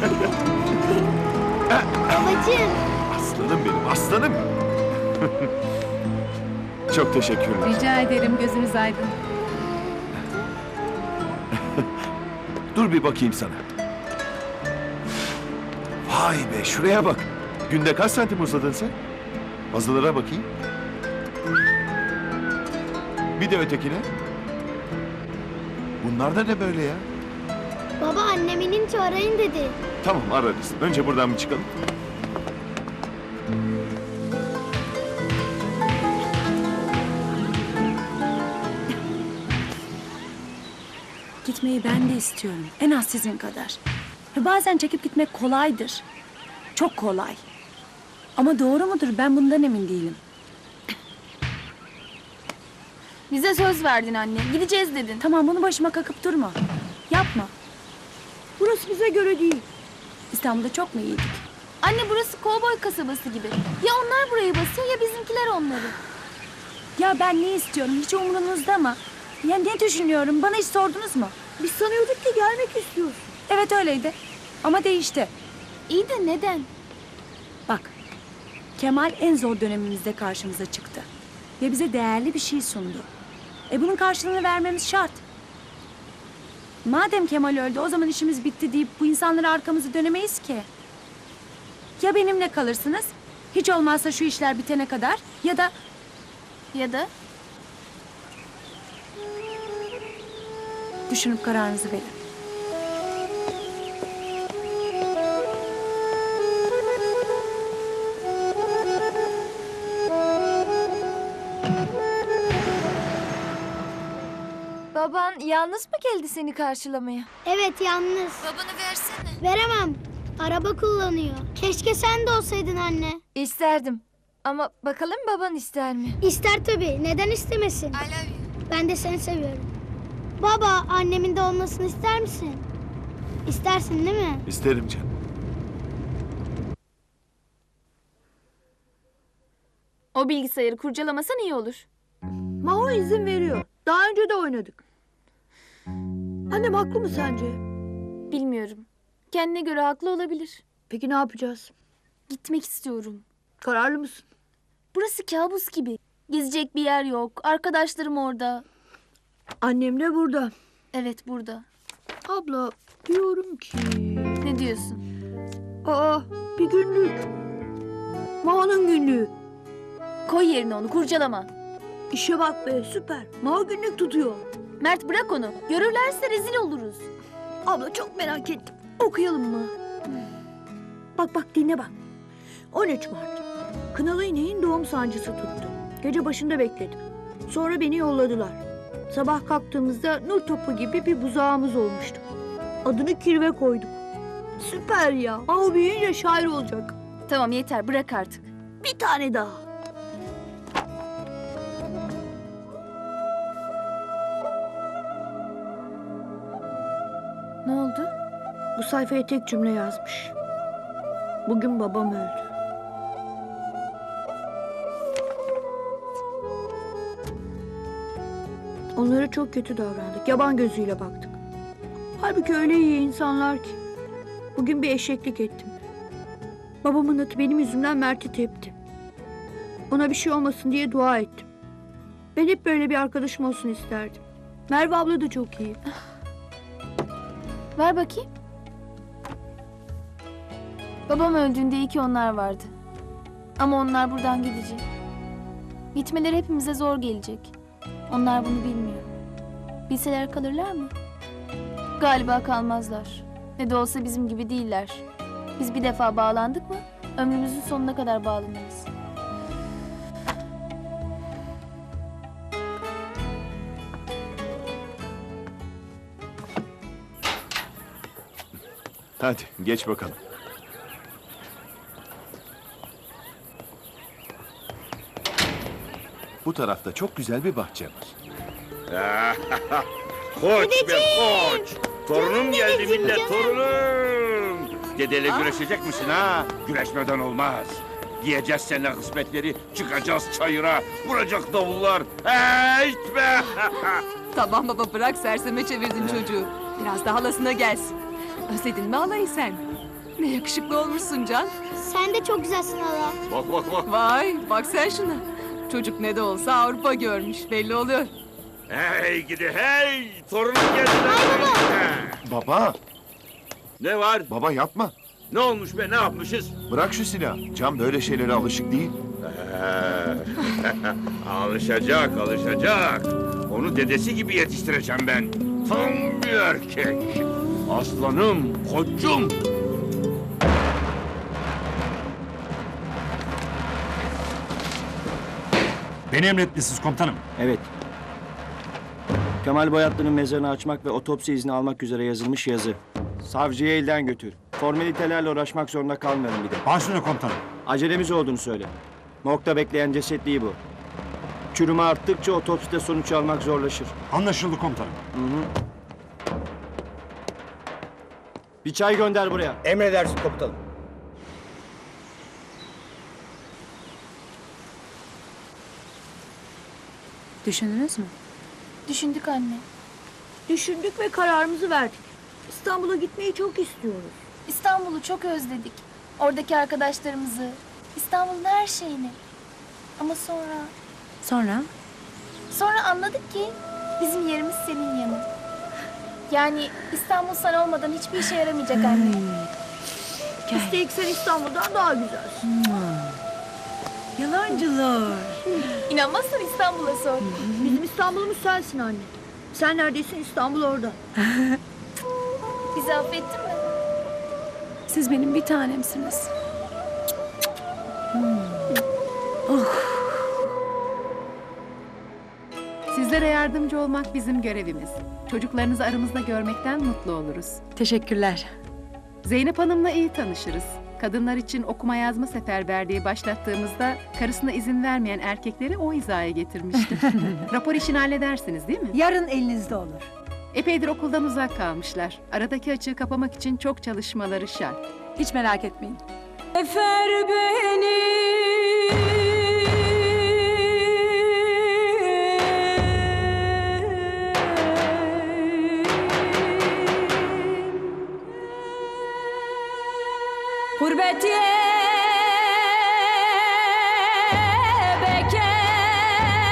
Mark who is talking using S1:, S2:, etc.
S1: Babacığım.
S2: Aslanım benim, aslanım. Çok teşekkürler.
S3: Rica ederim, gözünüz aydın.
S2: Dur bir bakayım sana. Vay be, şuraya bak. Günde kaç santim uzadın sen? Fazlalara bakayım. Bir de ötekine. Bunlar da ne böyle ya?
S1: Baba annem inince arayın dedi.
S2: Tamam, ararız. Önce buradan bir çıkalım.
S4: Gitmeyi ben de istiyorum. En az sizin kadar. Ve bazen çekip gitmek kolaydır. Çok kolay. Ama doğru mudur? Ben bundan emin değilim.
S5: Bize söz verdin anne. Gideceğiz dedin.
S4: Tamam, bunu başıma kakıp durma. Yapma. Burası bize göre değil. İstanbul'da çok mu iyiydik?
S5: Anne burası kovboy kasabası gibi. Ya onlar burayı basıyor ya bizimkiler onları.
S4: Ya ben ne istiyorum? Hiç umurunuzda mı? Ya ne düşünüyorum? Bana hiç sordunuz mu? Biz sanıyorduk ki gelmek istiyorsun. Evet öyleydi. Ama değişti.
S5: İyi de neden?
S4: Bak, Kemal en zor dönemimizde karşımıza çıktı. Ve bize değerli bir şey sundu. Bunun karşılığını vermemiz şart. Madem Kemal öldü, o zaman işimiz bitti deyip bu insanlara arkamızı dönemeyiz ki. Ya benimle kalırsınız, hiç olmazsa şu işler bitene kadar, ya da...
S5: Ya da
S4: Düşünüp kararınızı verin.
S5: baban yalnız mı geldi seni karşılamaya?
S1: Evet yalnız.
S5: Babanı versene.
S1: Veremem. Araba kullanıyor. Keşke sen de olsaydın anne.
S5: İsterdim. Ama bakalım baban ister mi?
S1: İster tabii. Neden istemesin?
S5: I love you.
S1: Ben de seni seviyorum. Baba annemin de olmasını ister misin? İstersin değil mi?
S2: İsterim canım.
S5: O bilgisayarı kurcalamasan iyi olur.
S6: Maho izin veriyor. Daha önce de oynadık. Annem haklı mı sence?
S5: Bilmiyorum. Kendine göre haklı olabilir.
S6: Peki ne yapacağız?
S5: Gitmek istiyorum.
S6: Kararlı mısın?
S5: Burası kabus gibi. Gezecek bir yer yok. Arkadaşlarım orada.
S6: Annem de burada.
S5: Evet burada.
S6: Abla diyorum ki...
S5: Ne diyorsun?
S6: Aa bir günlük. Maho'nun günlüğü.
S5: Koy yerine onu kurcalama.
S6: İşe bak be süper. Maho günlük tutuyor.
S5: Mert bırak onu. Görürlerse rezil oluruz.
S6: Abla çok merak ettim. Okuyalım mı? Bak bak dinle bak. 13 Mart. Kınalı ineğin doğum sancısı tuttu. Gece başında bekledim. Sonra beni yolladılar. Sabah kalktığımızda nur topu gibi bir buzağımız olmuştu. Adını Kirve koyduk. Süper ya. Maho büyüyünce şair olacak.
S5: Tamam yeter bırak artık.
S6: Bir tane daha.
S5: Ne oldu?
S6: Bu sayfaya tek cümle yazmış. Bugün babam öldü. Onlara çok kötü davrandık. Yaban gözüyle baktık. Halbuki öyle iyi insanlar ki. Bugün bir eşeklik ettim. Babamın atı benim yüzümden Mert'i tepti. Ona bir şey olmasın diye dua ettim. Ben hep böyle bir arkadaşım olsun isterdim. Merve abla da çok iyi.
S5: Ver bakayım. Babam öldüğünde iyi ki onlar vardı. Ama onlar buradan gidecek. Gitmeleri hepimize zor gelecek. Onlar bunu bilmiyor. Bilseler kalırlar mı? Galiba kalmazlar. Ne de olsa bizim gibi değiller. Biz bir defa bağlandık mı ömrümüzün sonuna kadar bağlanırız.
S2: Hadi geç bakalım. Bu tarafta çok güzel bir bahçe var.
S7: Koç be koç. Torunum geldi
S1: dedeciğim,
S7: millet,
S1: canım.
S7: torunum. Dedeyle güreşecek misin ha? Güreşmeden olmaz. Giyeceğiz seninle kısmetleri, çıkacağız çayıra, vuracak davullar. Hey be!
S3: Tamam baba, bırak serseme çevirdin çocuğu. Biraz da halasına gelsin. Özledin mi halayı sen? Ne yakışıklı olmuşsun Can.
S1: Sen de çok güzelsin hala.
S7: Bak bak bak.
S3: Vay bak sen şuna. Çocuk ne de olsa Avrupa görmüş belli oluyor.
S7: Hey gidi hey. Torunum geldi.
S2: Baba,
S7: Ne var?
S2: baba yapma.
S7: Ne olmuş be ne yapmışız?
S2: Bırak şu silahı. Can böyle şeylere alışık değil.
S7: Alışacak alışacak. Onu dedesi gibi yetiştireceğim ben. Tam bir erkek. Aslanım, koçum.
S8: Beni emretmişsiniz komutanım.
S9: Evet. Kemal Boyatlı'nın mezarını açmak ve otopsi izni almak üzere yazılmış yazı. Savcıya elden götür. Formalitelerle uğraşmak zorunda kalmayalım bir de.
S8: Başüstüne komutanım.
S9: Acelemiz olduğunu söyle. Morgda bekleyen ceset değil bu. Çürüme arttıkça otopside sonuç almak zorlaşır.
S8: Anlaşıldı komutanım.
S9: Bir çay gönder buraya.
S10: Emredersin komutanım.
S4: Düşündünüz mü?
S5: Düşündük anne.
S6: Düşündük ve kararımızı verdik. İstanbul'a gitmeyi çok istiyoruz.
S5: İstanbul'u çok özledik. Oradaki arkadaşlarımızı, İstanbul'un her şeyini. Ama sonra anladık ki bizim yerimiz senin yanın. Yani İstanbul sen olmadan hiçbir işe yaramayacak anne.
S6: Üstelik sen İstanbul'dan daha güzelsin.
S4: Yalancılar.
S5: İnanmazsan İstanbul'a sor.
S6: Bizim İstanbul'umuz sensin anne. Sen neredesin, İstanbul orada.
S5: Bizi affettin mi?
S4: Siz benim bir tanemsiniz.
S3: Sizlere yardımcı olmak bizim görevimiz. Çocuklarınızı aramızda görmekten mutlu oluruz.
S4: Teşekkürler.
S3: Zeynep Hanım'la iyi tanışırız. Kadınlar için okuma yazma seferberliği başlattığımızda karısına izin vermeyen erkekleri o hizaya getirmişti. Rapor işini halledersiniz değil mi?
S6: Yarın elinizde olur.
S3: Epeydir okuldan uzak kalmışlar. Aradaki açığı kapamak için çok çalışmaları şart.
S4: Hiç merak etmeyin. Efer beni. Gurbet